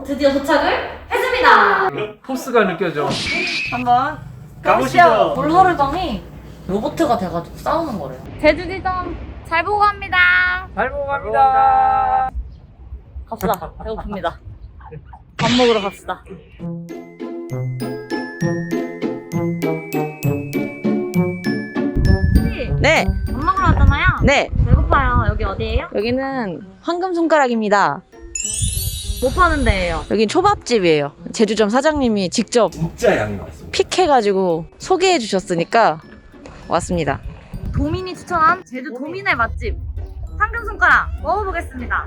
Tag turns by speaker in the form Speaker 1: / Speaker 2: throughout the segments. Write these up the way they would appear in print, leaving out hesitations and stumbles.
Speaker 1: 드디어 도착을 했습니다.
Speaker 2: 포스가 느껴져.
Speaker 1: 한번 가보시죠. 볼서르점이 로봇가 돼가지고 싸우는 거래요. 제주지점 잘 보고 갑니다.
Speaker 2: 잘 보고 갑니다.
Speaker 1: 갑시다. 배고픕니다. 밥 먹으러 갑시다.
Speaker 3: 네,
Speaker 1: 밥 먹으러 왔잖아요.
Speaker 3: 네.
Speaker 1: 배고파요. 여기 어디예요?
Speaker 3: 여기는 황금 손가락입니다.
Speaker 1: 뭐 파는 데예요?
Speaker 3: 여긴 초밥집이에요. 제주점 사장님이 직접
Speaker 2: 진짜 양이 많습니다.
Speaker 3: 픽해가지고 소개해 주셨으니까 왔습니다.
Speaker 1: 도민이 추천한 제주 도민의 맛집 황금 손가락 먹어보겠습니다.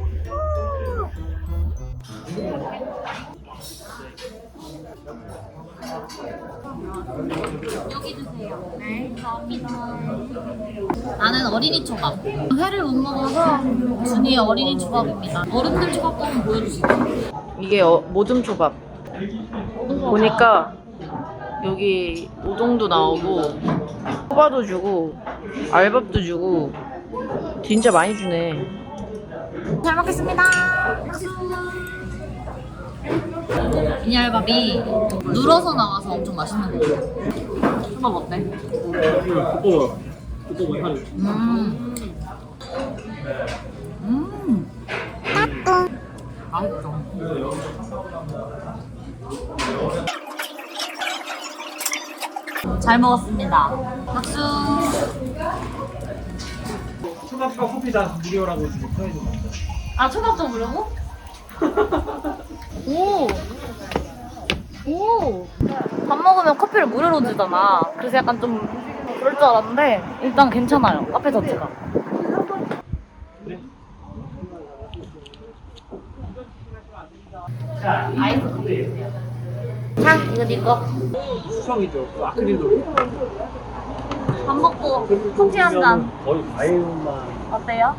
Speaker 1: 여기 주세요. 네, 감사합니다. 나는 어린이 초밥. 회를 못 먹어서 준이의 어린이 초밥입니다. 어른들 초밥도 한번 보여주시죠.
Speaker 3: 이게 모둠 초밥. 보니까 여기 우동도 나오고 초밥도 주고 알밥도 주고 진짜 많이 주네.
Speaker 1: 잘 먹겠습니다. 이알밥이 눌어서 나와서 엄청 맛있는 거 같아요. 초밥 어때? 맛있어. 잘 먹었습니다. 박수.
Speaker 2: 초밥과 커피 다 무료라고 지금 써있는 거.
Speaker 1: 아, 초밥도 무료고? 오. 오. 밥 먹으면 커피를 무료로 주잖아. 그래서 약간 좀 그럴 줄 알았는데 일단 괜찮아요. 카페 자체가. 아이스 커피 주세요. 자, 이거 네 거.
Speaker 2: 수성이죠. 그 아크릴로.
Speaker 1: 밥 먹고 커피 한 잔.
Speaker 2: 거의 과일만
Speaker 1: 어때요?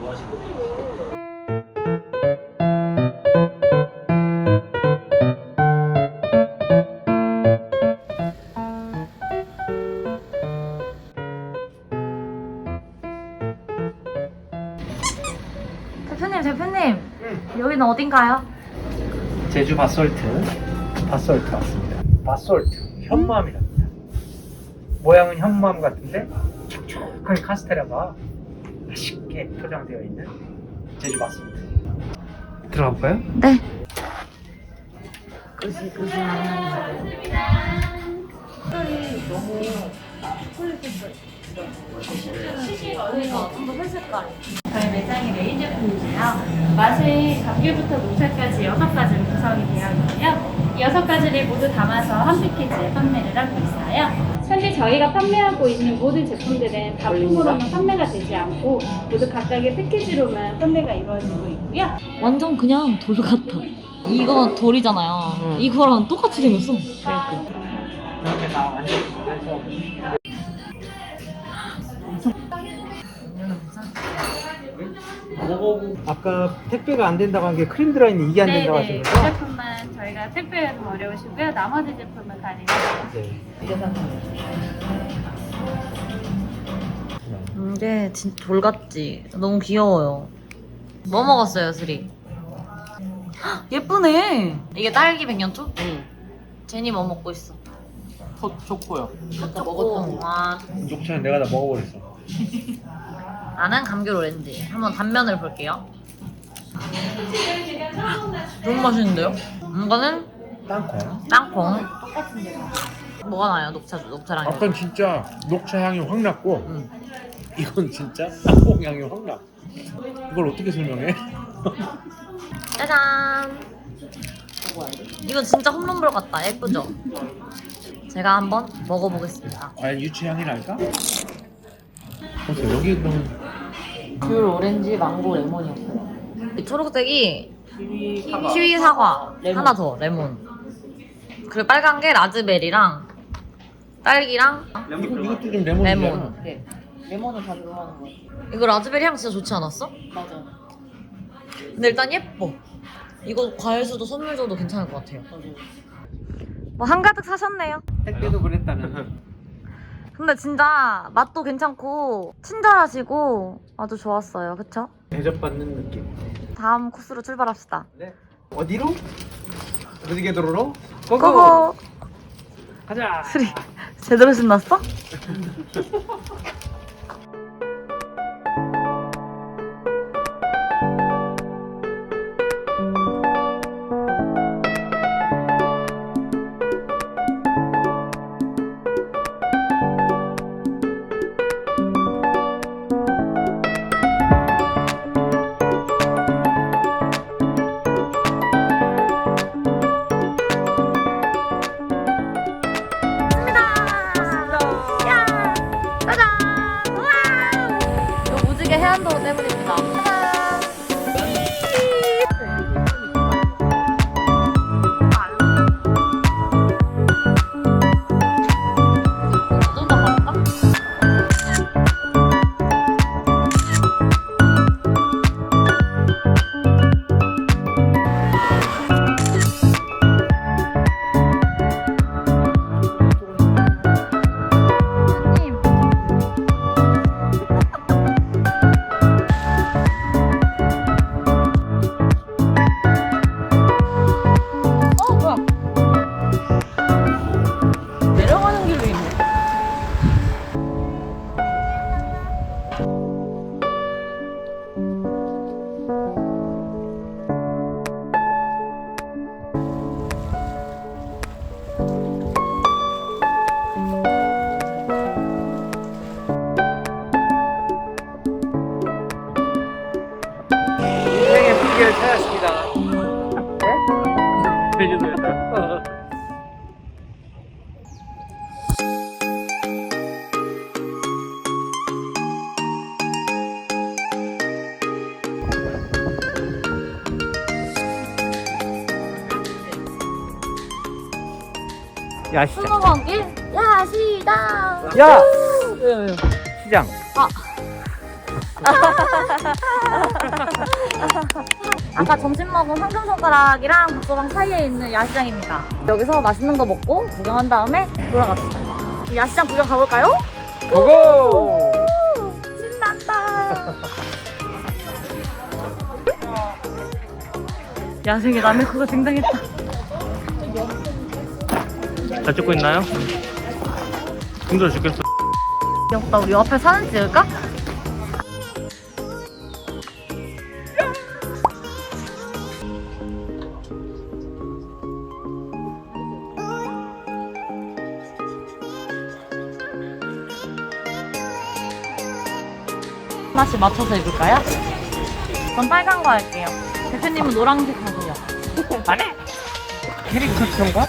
Speaker 1: 대표님, 여기는 어딘가요?
Speaker 2: 제주 바솔트 왔습니다. 바솔트 현무암이랍니다. 모양은 현무암 같은데 촉촉하게 카스테라가 맛있게 포장되어 있는 제주 바솔트. 들어가 볼까요?
Speaker 1: 네. 그러니까 좀더 회색깔.
Speaker 4: 저희 매장의 메인 제품이고요. 맛은 감귤부터 녹차까지 6가지로 구성이 되어 있고요. 이 6가지를 모두 담아서 한 패키지에 판매를 하고 있어요. 현재 저희가 판매하고 있는 모든 제품들은 단품으로는 판매가 되지 않고 모두 각각의 패키지로만 판매가 이루어지고 있고요.
Speaker 1: 완전 그냥 돌 같아. 이거 돌이잖아요. 이거랑 똑같이 생겼어.
Speaker 2: 그렇게 다 완전 먹어보고 아까 택배가 안 된다고 한 게 크림 드라이는 이게 안 된다고 하신
Speaker 4: 이
Speaker 2: 거죠?
Speaker 4: 제품만 저희가 택배가 좀 어려우시고요. 나머지 제품은 가능해요.
Speaker 2: 네.
Speaker 1: 이게 진짜 돌 같지? 너무 귀여워요. 뭐 먹었어요, 스리? 헉, 예쁘네. 이게 딸기 백년초?
Speaker 3: 응.
Speaker 1: 제니 뭐 먹고 있어?
Speaker 2: 초코요.
Speaker 1: 아까 먹었던 거. 와,
Speaker 2: 녹차는 내가 다 먹어버렸어.
Speaker 1: 나는 감귤 오렌지. 한번 단면을 볼게요. 너무 맛있는데요? 이거는
Speaker 2: 땅콩.
Speaker 1: 땅콩. 뭐가 나요? 녹차랑.
Speaker 2: 아까 진짜 녹차 향이 확 났고
Speaker 1: 응.
Speaker 2: 이건 진짜 땅콩 향이 확 나. 이걸 어떻게 설명해?
Speaker 1: 짜잔. 이건 진짜 홈런볼 같다. 예쁘죠? 제가 한번 먹어보겠습니다.
Speaker 2: 과연 유치 향이 날까? 보세요 여기 그러면
Speaker 1: 귤, 오렌지, 망고, 레몬이었어요. 이 초록색이 키위, 사과, 하나 더 레몬. 그리고 빨간 게 라즈베리랑 딸기랑
Speaker 2: 이것도 좀 레몬이잖아.
Speaker 1: 레몬.
Speaker 3: 레몬을 다 들어가는 거.
Speaker 1: 이거 라즈베리 향 진짜 좋지 않았어?
Speaker 3: 맞아.
Speaker 1: 근데 일단 예뻐. 이거 과일 수도 선물 줘도 괜찮을 것 같아요. 뭐 한가득 사셨네요.
Speaker 2: 택배도 그랬다는.
Speaker 1: 근데 진짜 맛도 괜찮고 친절하시고 아주 좋았어요. 그쵸?
Speaker 2: 대접받는 느낌.
Speaker 1: 다음 코스로 출발합시다.
Speaker 2: 네. 어디로? 어디게 도로로? 고고!
Speaker 3: 고고.
Speaker 2: 가자!
Speaker 3: 수리 제대로 신났어?
Speaker 1: 이거 무지개 해안도로 때문입니다. 좀 더 갈까?
Speaker 3: 내려가는 길로 있네.
Speaker 2: 인생의 비결 찾았습니다. 네? 제주도에서. 야시장.
Speaker 1: 수목원길 야시장.
Speaker 2: 야! 시장.
Speaker 1: 아까 점심 먹은 황금손가락이랑 국소방 사이에 있는 야시장입니다. 여기서 맛있는 거 먹고 구경한 다음에 돌아갑시다. 야시장 구경 가볼까요?
Speaker 2: 고고!
Speaker 1: 신난다.
Speaker 3: 야생의 남해코가 등장했다.
Speaker 5: 잘 찍고 있나요? 힘들어 죽겠어.
Speaker 1: 귀엽다. 우리 앞에 사진 찍을까? 하나씩 맞춰서 입을까요? 전 빨간 거 할게요. 대표님은 노란색 하세요.
Speaker 2: 안해! 캐릭터처럼가?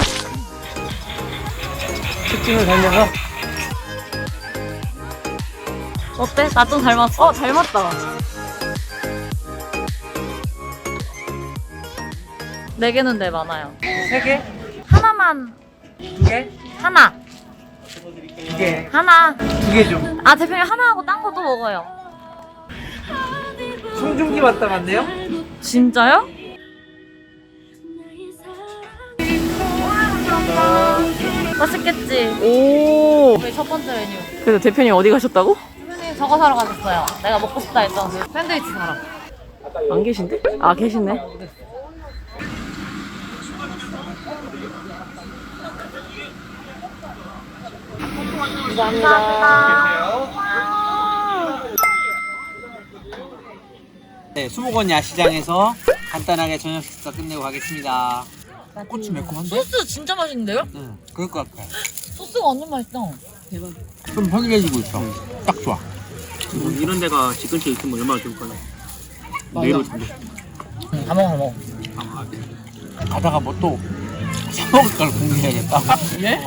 Speaker 2: 특징을 살려서
Speaker 1: 어때? 나 좀 닮았어?
Speaker 3: 닮았다.
Speaker 1: 네 개는 네 많아요.
Speaker 2: 3개?
Speaker 1: 하나만
Speaker 2: 2개?
Speaker 1: 하나
Speaker 2: 2개.
Speaker 1: 하나.
Speaker 2: 2개 좀.
Speaker 1: 아 대표님 하나 하고 딴 것도 먹어요.
Speaker 2: 송중기 왔다 갔네요?
Speaker 1: 진짜요? 맛있겠지?
Speaker 3: 오.
Speaker 1: 우리 첫 번째 메뉴.
Speaker 3: 그래서 대표님 어디 가셨다고?
Speaker 1: 대표님 저거 사러 가셨어요. 내가 먹고 싶다 했던 그 샌드위치 사러.
Speaker 3: 안 계신데? 아 계시네.
Speaker 2: 네, 수목원 야시장에서 간단하게 저녁 식사 끝내고 가겠습니다. 고추 매콤한데?
Speaker 1: 소스 진짜 맛있는데요?
Speaker 2: 응, 그럴 것 같아.
Speaker 1: 소스가 완전 맛있다.
Speaker 2: 좀 허기해지고 있어. 딱 좋아.
Speaker 5: 이런 데가 집 근처에 있으면 얼마나 좋을까요? 내일 오신대.
Speaker 1: 다 먹어 다 먹어.
Speaker 2: 가다가 뭐 또 사먹을 걸 궁금해야겠다.
Speaker 3: 예?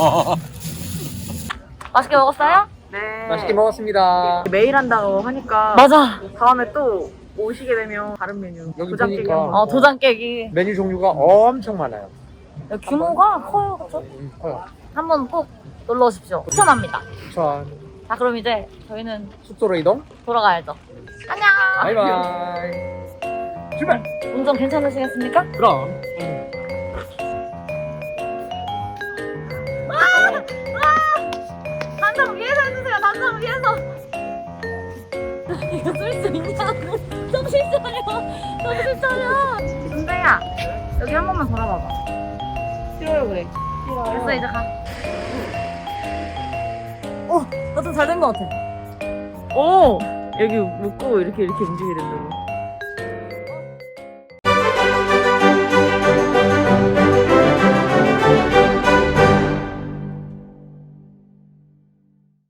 Speaker 1: 맛있게 먹었어요?
Speaker 3: 네.
Speaker 2: 맛있게 먹었습니다.
Speaker 3: 매일 한다고 하니까
Speaker 1: 맞아.
Speaker 3: 다음에 또 오시게 되면 다른 메뉴
Speaker 2: 여기
Speaker 3: 도장 깨기
Speaker 2: 보니까
Speaker 3: 한번.
Speaker 1: 도장 깨기.
Speaker 2: 메뉴 종류가 엄청 많아요.
Speaker 1: 규모가 커요, 그렇죠?
Speaker 2: 커요.
Speaker 1: 한번 꼭 놀러 오십시오. 추천합니다.
Speaker 2: 자,
Speaker 1: 자, 그럼 이제 저희는
Speaker 2: 숙소로 이동.
Speaker 1: 돌아가야죠. 안녕.
Speaker 2: 바이바이. 출발.
Speaker 1: 운전 괜찮으시겠습니까?
Speaker 2: 그럼.
Speaker 1: 단상 위에서 해주세요. 단상 위에서. 이거 쓸 수 있냐고. 정신 차려. 정신 차려. 은배야, 여기 한 번만 돌아봐봐. 싫어요 그래. 됐어 이제 가. 나 좀 잘 된 것 같아.
Speaker 3: 오! 여기 묶고 이렇게 움직이게 된다고.